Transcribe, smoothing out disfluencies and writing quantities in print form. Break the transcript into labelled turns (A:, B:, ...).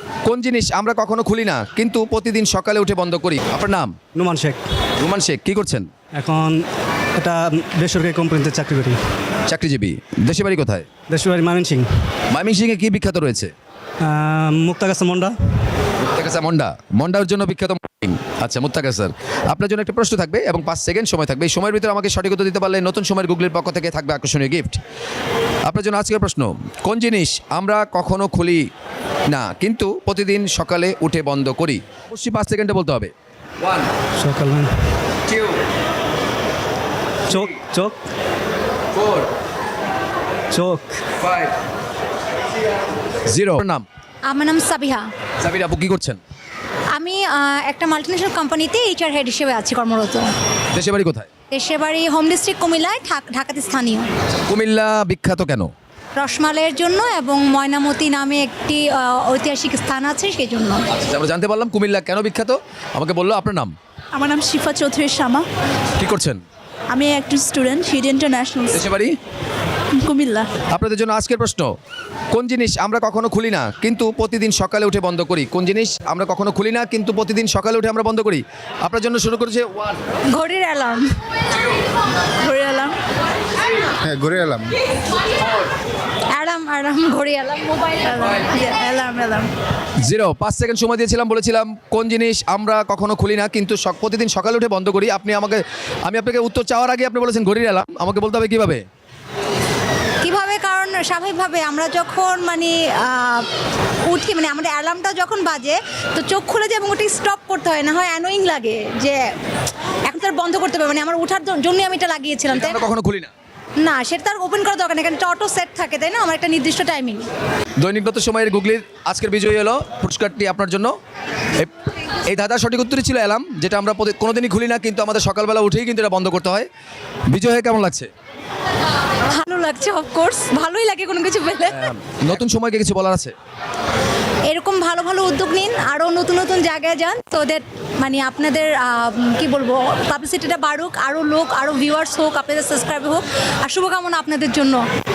A: কোন জিনিস আমরা কখনো খুলি না কিন্তু প্রতিদিন সকালে উঠে বন্ধ করি? আপনার নাম?
B: নুমান শেখ।
A: রুমান শেখ, কি করছেন?
B: এখন এটা বেসরকারি কোম্পানিতে চাকরি করি।
A: চাকরিজীবী। দেশে বাড়ি কোথায়?
B: দেশের বাড়ি ময়মনসিং।
A: ময়মনসিংহে কি বিখ্যাত রয়েছে?
B: মুক্তাগাছা মন্ডা।
A: মুত্তাকাসা মন্ডা, মন্ডার জন্য বিখ্যাত। আচ্ছা মুত্তাকাসার, আপনার জন্য একটা প্রশ্ন থাকবে এবং 5 সেকেন্ড সময় থাকবে। এই সময়ের ভিতরে আমাকে সঠিক উত্তর দিতে পারলে নতুন সময়ের গুগলের পক্ষ থেকে থাকবে আকর্ষণীয় গিফট। আপনার জন্য আজকের প্রশ্ন, কোন জিনিস আমরা কখনো খুলি না কিন্তু প্রতিদিন সকালে উঠে বন্ধ করি? অবশ্যই 5 সেকেন্ডে বলতে হবে। 1
B: সকাল
A: 2
B: চোখ চোখ
A: 4
B: চোখ
A: 5 0। নাম?
C: আমার নাম সাবিহা।
A: সাবিরা আপু, কি করছেন?
C: আমি একটা মাল্টিনেশনাল কোম্পানিতে এইচআর হেড হিসেবে আছি কর্মরত।
A: দেশে বাড়ি কোথায়?
C: দেশের বাড়ি হোম ডিস্ট্রিক্ট কুমিল্লায়, ঢাকাতে স্থানীয়।
A: কুমিল্লা বিখ্যাত কেন?
C: রসমালাইয়ের জন্য এবং ময়নামতি নামে একটি ঐতিহাসিক স্থান আছে সেই জন্য।
A: আচ্ছা, আমরা জানতে পারলাম কুমিল্লা কেন বিখ্যাত। আমাকে বললো আপনার নাম?
D: আমার নাম শিফা চৌধুরী শামা।
A: কি করছেন?
D: আমি একজন স্টুডেন্ট হিড ইন্টারন্যাশনাল,
A: দেশে বাড়ি
D: কুমিল্লা।
A: আপনাদের জন্য আজকের প্রশ্ন, কোন জিনিস আমরা কখনো খুলি না কিন্তু প্রতিদিন সকালে উঠে বন্ধ করি? কোন জিনিস আমরা কখনো খুলি না কিন্তু প্রতিদিন সকালে উঠে আমরা বন্ধ করি? আপনার জন্য শুরু করেছে 1
C: ঘড়ির অ্যালার্ম।
D: ঘুরে এলাম।
E: হ্যাঁ, ঘুরে এলাম।
C: অ্যালার্ম ঘড়ি alarm mobile
D: alarm alarm
A: 0। 5 second সময় দিয়েছিলাম, বলেছিলাম কোন জিনিস আমরা কখনো খুলি না কিন্তু প্রতিদিন সকালে উঠে বন্ধ করি। আমি আপনাকে উত্তর চাওয়ার আগে আপনি বলেছেন ঘড়ির অ্যালার্ম। আমাকে বলতে হবে কিভাবে?
C: কিভাবে? কারণ স্বাভাবিকভাবে আমরা যখন উঠি, আমাদের অ্যালার্মটা যখন বাজে তো চোখ খুলে যায় এবং ওটা স্টপ করতে হয়, না হয় অ্যানোয়িং লাগে যে এখন তার বন্ধ করতে হবে। আমার ওঠার জন্যই আমি এটা লাগিয়েছিলাম, তাই
A: আমরা
C: না?
A: কখনো খুলি না।
C: না, সেটা তার ওপেন করা দরকার নেই, কারণ এটা অটো সেট থাকে, তাই না? আমার একটা নির্দিষ্ট টাইমিং।
A: দৈনিকগত সময়ের গুগলির আজকের বিজয়ী হলো, পুরস্কারটি আপনার জন্য। এই দাদার সঠিক উত্তরই ছিল অ্যালার্ম, যেটা আমরা কোনোদিনই খুলি না কিন্তু আমাদের সকালবেলা উঠেই কিন্তু এটা বন্ধ করতে হয়। বিজয় হয়ে কেমন লাগছে?
C: ভালো লাগছে, অফকোর্স ভালোই লাগে কোনো কিছু পেলে।
A: নতুন সময়কে কিছু বলার আছে?
C: এরকম ভালো ভালো উদ্যোগ নিন, আরও নতুন নতুন জায়গায় যান, তো দ্যাট আপনাদের কি বলবো, পাবলিসিটিটা বাড়ুক, আরও লোক, আরও ভিউয়ার্স হোক, আপনাদের সাবস্ক্রাইব হোক, আর শুভকামনা আপনাদের জন্য।